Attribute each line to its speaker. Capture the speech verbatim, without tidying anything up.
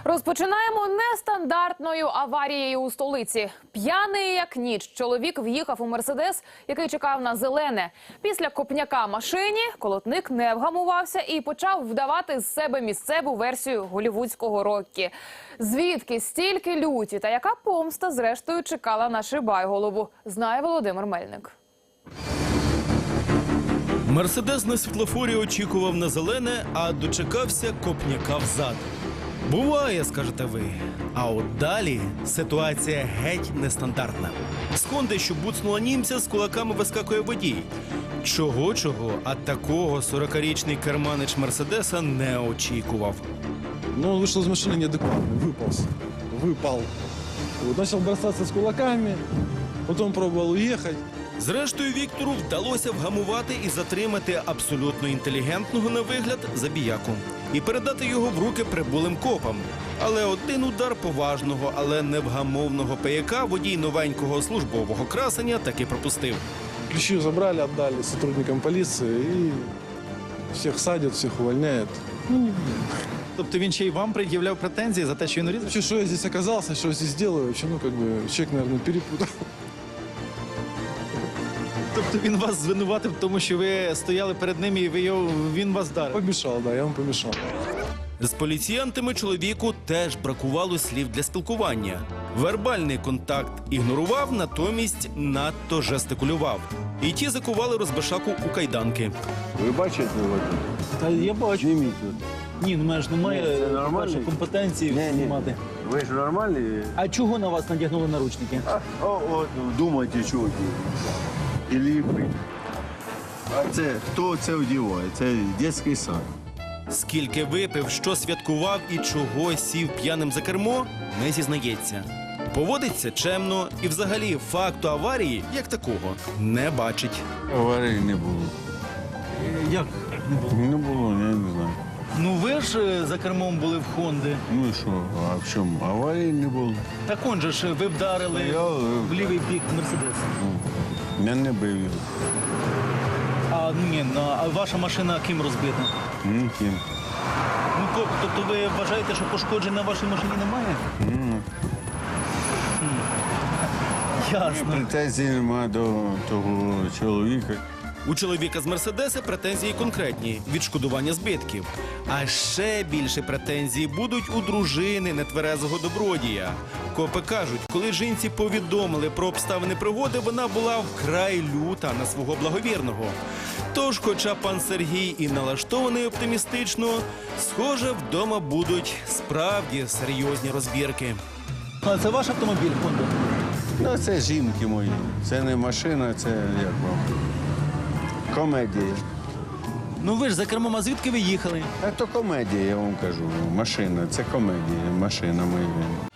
Speaker 1: Розпочинаємо нестандартною аварією у столиці. П'яний як ніч чоловік в'їхав у «Мерседес», який чекав на зелене. Після копняка машині колотник не вгамувався і почав вдавати з себе місцеву версію голлівудського Роккі. Звідки стільки люті та яка помста зрештою чекала на Шибайголову, знає Володимир Мельник.
Speaker 2: «Мерседес» на світлофорі очікував на зелене, а дочекався копняка взад. Буває, скажете ви. А от далі ситуація геть нестандартна. З «Хонди», що буцнула німця, з кулаками вискакує водій. Чого-чого, а такого сорокарічний керманич «Мерседеса» не очікував.
Speaker 3: Ну, он вышел из машины неадекватный, выполз, выпал. Вот, начал бросаться с кулаками, потом пробовал уехать.
Speaker 2: Зрештою, Віктору вдалося вгамувати і затримати абсолютно інтелігентного на вигляд забіяку. І передати його в руки прибулим копам. Але один удар поважного, але невгамовного пияка водій новенького службового красення таки пропустив.
Speaker 3: Ключи забрали, отдали сотрудникам полиции и всех садят, всех увольняют. Ну, не
Speaker 4: Тобто він ще й вам пред'являв претензії за те, що він урізав?
Speaker 3: Вообще, что я здесь оказался, что я здесь делаю, вообще, ну, как бы, человек, наверное, перепутал.
Speaker 4: Тобто він вас звинуватив в тому, що ви стояли перед ним і ви його, він вас вдарив?
Speaker 3: Помешал, да, я вам помешал.
Speaker 2: З поліціянтами чоловіку теж бракувало слів для спілкування. Вербальний контакт ігнорував, натомість надто жестикулював. І ті закували розбишаку у кайданки.
Speaker 5: Ви бачите його?
Speaker 4: Та я бачу.
Speaker 5: Зніміть тут.
Speaker 4: Ні, ну мене ж немає
Speaker 5: Ні, це нормально.
Speaker 4: вашої компетенції
Speaker 5: Ні, ні.
Speaker 4: знімати.
Speaker 5: Ви ж нормальні?
Speaker 4: А чого на вас надягнули наручники?
Speaker 5: А, о, от, думайте, чого ті. І ліпи. А це, хто це одягає? Це дитячий сад.
Speaker 2: Скільки випив, що святкував і чого сів п'яним за кермо, не зізнається. Поводиться чемно і взагалі факту аварії, як такого, не бачить.
Speaker 6: Аварії не було.
Speaker 4: Як не було?
Speaker 6: Не було, я не знаю.
Speaker 4: Ну ви ж е, за кермом були в Хонди.
Speaker 6: Ну і що, а в чому? Аварії не було.
Speaker 4: Так он же ж ви вдарили
Speaker 6: Я, е,
Speaker 4: в лівий бік Мерседес.
Speaker 6: Я не бив його.
Speaker 4: А ні, ну, а ваша машина ким розбита?
Speaker 6: Ніким.
Speaker 4: Ну то- тобто ви вважаєте, що пошкоджень на вашій машині немає?
Speaker 6: Ну,
Speaker 4: Ясно.
Speaker 6: претензій немає до того чоловіка.
Speaker 2: У чоловіка з «Мерседеса» претензії конкретні – відшкодування збитків. А ще більше претензій будуть у дружини нетверезого добродія. Копи кажуть, коли жінці повідомили про обставини пригоди, вона була вкрай люта на свого благовірного. Тож, хоча пан Сергій і налаштований оптимістично, схоже, вдома будуть справді серйозні розбірки.
Speaker 4: А це ваш автомобіль, Хонда?
Speaker 6: Ну, це жінки мої. Це не машина, це як вам. Комедія.
Speaker 4: Ну ви ж за кермом, а звідки ви їхали?
Speaker 6: А то комедія, я вам кажу. Машина, це комедія, машина моя.